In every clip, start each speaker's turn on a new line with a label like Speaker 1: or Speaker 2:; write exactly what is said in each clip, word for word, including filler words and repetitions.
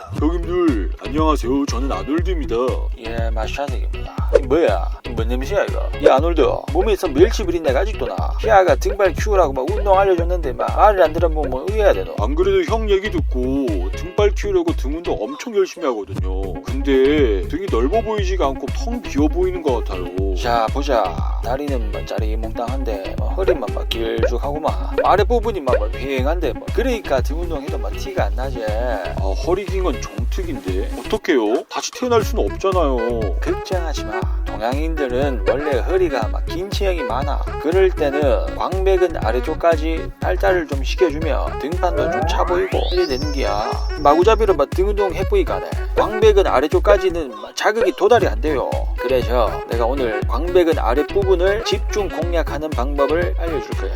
Speaker 1: 형님들 안녕하세요. 저는 아놀드입니다.
Speaker 2: 예, 마샤색입니다. 뭐야? 뭔 냄새야 이거? 이 아놀드 몸에서 멸치불이 내가 아직도 나. 희아가 등발 키우라고 막 운동 알려줬는데 막 말을 안 들어보면 뭐 의해야 되노?
Speaker 1: 안 그래도 형 얘기 듣고 등발 키우려고 등 운동 엄청 열심히 하거든요. 근데 등이 넓어 보이지가 않고 텅 비어 보이는 것 같아요.
Speaker 2: 자 보자. 다리는 뭐 짜리몽땅한데 뭐 허리만 막 길쭉하고만 아랫부분이 막 휑한데 뭐 그러니까 등 운동해도 막 티가 안 나지.
Speaker 1: 아, 허리 긴 건 정특인데 어떡해요? 다시 태어날 수는 없잖아요.
Speaker 2: 걱정하지 마. 동양인들은 원래 허리가 막 긴 체형이 많아. 그럴 때는 광배근 아래쪽까지 발달을 좀 시켜주면 등판도 좀 차 보이고 이래 되는 게야. 마구잡이로 막 등 운동 해보니까 네. 광배근 아래쪽까지는 자극이 도달이 안 돼요. 그래서 내가 오늘 광배근 아랫부분을 집중 공략하는 방법을 알려줄 거야.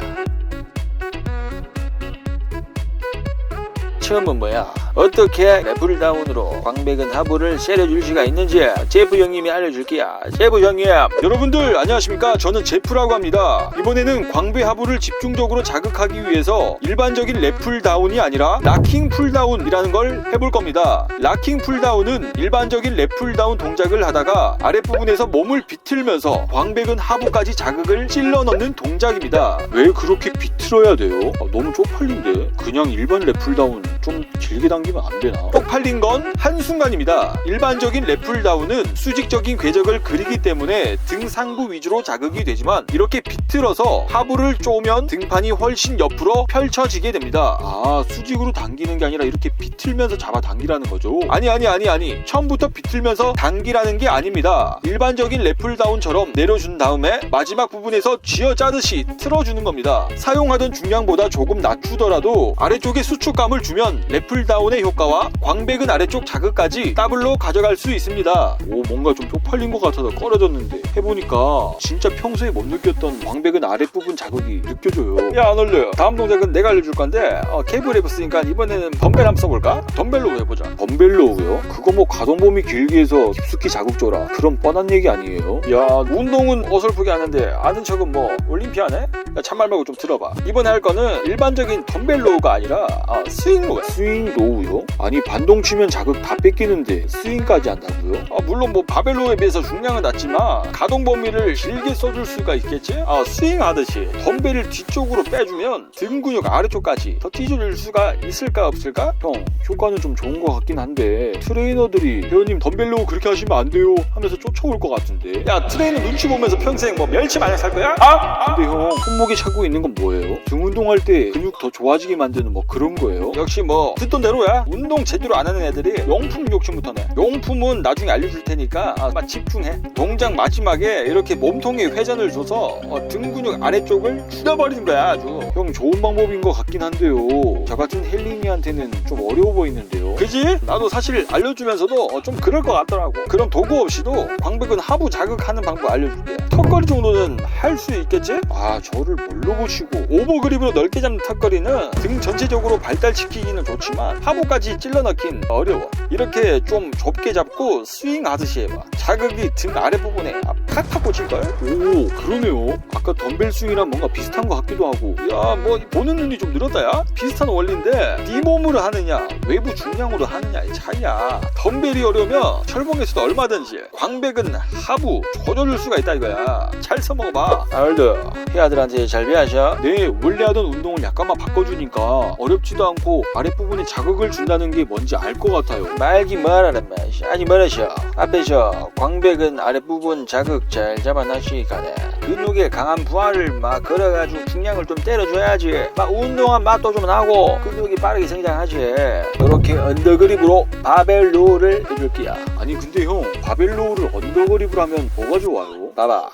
Speaker 2: 처음은 뭐야? 어떻게 랩풀다운으로 광배근 하부를 세려줄 수가 있는지 제프 형님이 알려줄게야. 제프 형님.
Speaker 1: 여러분들 안녕하십니까? 저는 제프라고 합니다. 이번에는 광배 하부를 집중적으로 자극하기 위해서 일반적인 랩 풀다운이 아니라 락킹 풀다운이라는 걸 해볼 겁니다. 락킹 풀다운은 일반적인 랩 풀다운 동작을 하다가 아랫부분에서 몸을 비틀면서 광배근 하부까지 자극을 찔러 넣는 동작입니다. 왜 그렇게 비틀어야 돼요? 아, 너무 쪽팔린데? 그냥 일반 랩 풀다운 좀 길게 당기면 안 되나? 쪽팔린 건 한순간입니다. 일반적인 랩 풀다운은 수직적인 궤적을 그리기 때문에 등 상부 위주로 자극이 되지만 이렇게 비틀어서 하부를 쪼면 등판이 훨씬 옆으로 펼쳐지게 됩니다. 아, 수직으로 당기는 게 아니라 이렇게 비틀면서 잡아 당기라는 거죠? 아니 아니 아니 아니 처음부터 비틀면서 당기라는 게 아닙니다. 일반적인 랩 풀다운처럼 내려준 다음에 마지막 부분에서 쥐어짜듯이 틀어주는 겁니다. 사용하던 중량보다 조금 낮추더라도 아래쪽에 수축감을 주면 랩 풀다운의 효과와 광배근 아래쪽 자극까지 더블로 가져갈 수 있습니다. 오, 뭔가 좀 쪽팔린 것 같아서 꺼려졌는데 해보니까 진짜 평소에 못 느꼈던 광배근 아랫부분 자극이 느껴져요.
Speaker 2: 야 아놀드, 다음 동작은 내가 알려줄 건데 어, 케이블 해봤으니까 이번에는 덤벨 한번 써볼까? 덤벨로 해보자.
Speaker 1: 덤벨로우요? 그거 뭐 가동범위 길게 해서 깊숙이 자극 줘라 그런 뻔한 얘기 아니에요?
Speaker 2: 야, 운동은 어설프게 하는데 아는 척은 뭐 올림피아네? 야, 참말 말고 좀 들어봐. 이번에 할 거는 일반적인 덤벨로우가 아니라 아, 스윙로우야.
Speaker 1: 스윙 로우요? 아니 반동 치면 자극 다 뺏기는데 스윙까지 한다고요?
Speaker 2: 아, 물론 뭐 바벨로에 비해서 중량은 낮지만 가동 범위를 길게 써줄 수가 있겠지? 아, 스윙하듯이 덤벨을 뒤쪽으로 빼주면 등 근육 아래쪽까지 더 찢어질 수가 있을까 없을까?
Speaker 1: 형, 효과는 좀 좋은 것 같긴 한데 트레이너들이 회원님 덤벨로 그렇게 하시면 안 돼요 하면서 쫓아올 것 같은데.
Speaker 2: 야, 트레이너 눈치 보면서 평생 뭐 멸치 마냥 살 거야? 아?
Speaker 1: 근데 형, 손목에 차고 있는 건 뭐예요? 등 운동할 때 근육 더 좋아지게 만드는 뭐 그런 거예요?
Speaker 2: 역시 뭐 듣던 대로야. 운동 제대로 안 하는 애들이 용품 욕심부터네. 용품은 나중에 알려줄 테니까 아, 막 집중해. 동작 마지막에 이렇게 몸통에 회전을 줘서 어, 등 근육 아래쪽을 줄여버리는 거야 아주.
Speaker 1: 형, 좋은 방법인 것 같긴 한데요. 저 같은 헬린이한테는 좀 어려워 보이는데요.
Speaker 2: 그지? 나도 사실 알려주면서도 어, 좀 그럴 것 같더라고. 그럼 도구 없이도 광배근 하부 자극하는 방법 알려줄게. 턱걸이 정도는 할 수 있겠지?
Speaker 1: 아, 저를 뭘로 보시고.
Speaker 2: 오버그립으로 넓게 잡는 턱걸이는 등 전체적으로 발달시키기는 좋지만 하부까지 찔러 넣긴 어려워. 이렇게 좀 좁게 잡고 스윙 하듯이 해봐. 자극이 등 아랫부분에 팍팍 꽂힐걸?
Speaker 1: 오, 그러네요. 아까 덤벨 스윙이랑 뭔가 비슷한 것 같기도 하고.
Speaker 2: 야, 뭐 보는 눈이 좀 늘었다 야? 비슷한 원리인데 네 몸으로 하느냐 외부 중량으로 하느냐의 차이야. 덤벨이 어려우면 철봉에서도 얼마든지 광배근 하부 조져줄 수가 있다 이거야. 잘 써먹어봐. 아놀드, 희아들한테 잘 배하셔.
Speaker 1: 네, 원래 하던 운동을 약간만 바꿔주니까 어렵지도 않고 아랫부분에 자극을 준다는 게 뭔지 알 것 같아요.
Speaker 2: 말기 뭐라는 맛이 아니 멀으셔. 앞에서 광배근 아랫부분 자극 잘 잡아놨으니까 근육에 강한 부하를 막 걸어가지고 중량을 좀 때려줘야지. 막 운동한 맛도 좀 나고 근육이 빠르게 성장하지. 이렇게 언더그립으로 바벨 로우를 해줄게요.
Speaker 1: 아니 근데 형, 바벨로우를 언더그립으로 하면 뭐가 좋아요?
Speaker 2: 봐봐,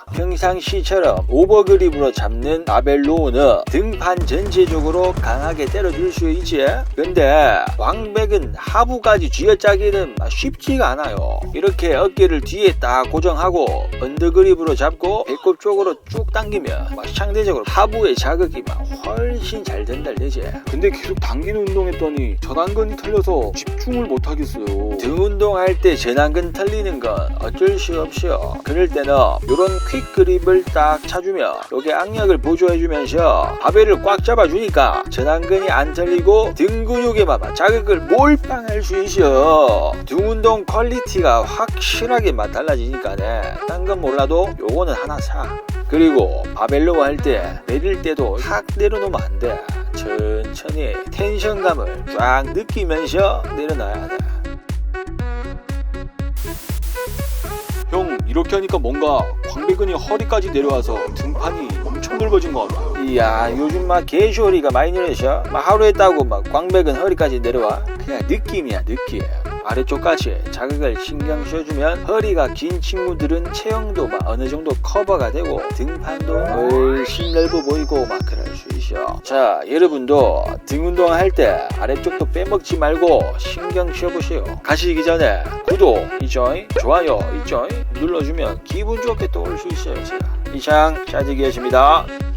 Speaker 2: 평상시처럼 오버그립으로 잡는 바벨 로우는 등판 전체적으로 강하게 때려줄 수 있지. 근데 광배근 하부까지 쥐어짜기는 쉽지가 않아요. 이렇게 어깨를 뒤에 딱 고정하고 언더그립으로 잡고 배꼽 쪽으로 쭉 당기면 막 상대적으로 하부의 자극이 막 훨씬 잘 된다 되지.
Speaker 1: 근데 계속 당기는 운동했더니 전완근이 털려서 집중을 못 하겠어요.
Speaker 2: 등 운동할 때 전완근 털리는 건 어쩔 수 없어. 그럴 때는 이런 퀵 윗그립을 딱 차주면 요게 악력을 보조해주면서 바벨을 꽉 잡아주니까 전완근이 안 털리고 등 근육에만 자극을 몰빵할 수 있어. 등 운동 퀄리티가 확실하게 맛 달라지니까네. 딴 건 몰라도 요거는 하나 사. 그리고 바벨로 할 때 내릴 때도 확 내려놓으면 안 돼. 천천히 텐션감을 쫙 느끼면서 내려놔야 돼.
Speaker 1: 형, 이렇게 하니까 뭔가 광배근이 허리까지 내려와서 등판이 엄청 넓어진 것 같아.
Speaker 2: 이야, 요즘 막 개쇼리가 많이 늘어서 막 하루 했다고 막 광배근 허리까지 내려와. 그냥 느낌이야, 느낌. 아래쪽까지 자극을 신경 써주면 허리가 긴 친구들은 체형도 막 어느 정도 커버가 되고 등판도 훨씬 넓어 보이고 막 그럴 수 있어. 자, 여러분도 등 운동할 때 아래쪽도 빼먹지 말고 신경 써보세요. 가시기 전에 구독 있죠? 좋아요 있죠? 눌러주면 기분 좋게 또 올 수 있어요. 제가 이상 짜지기였습니다.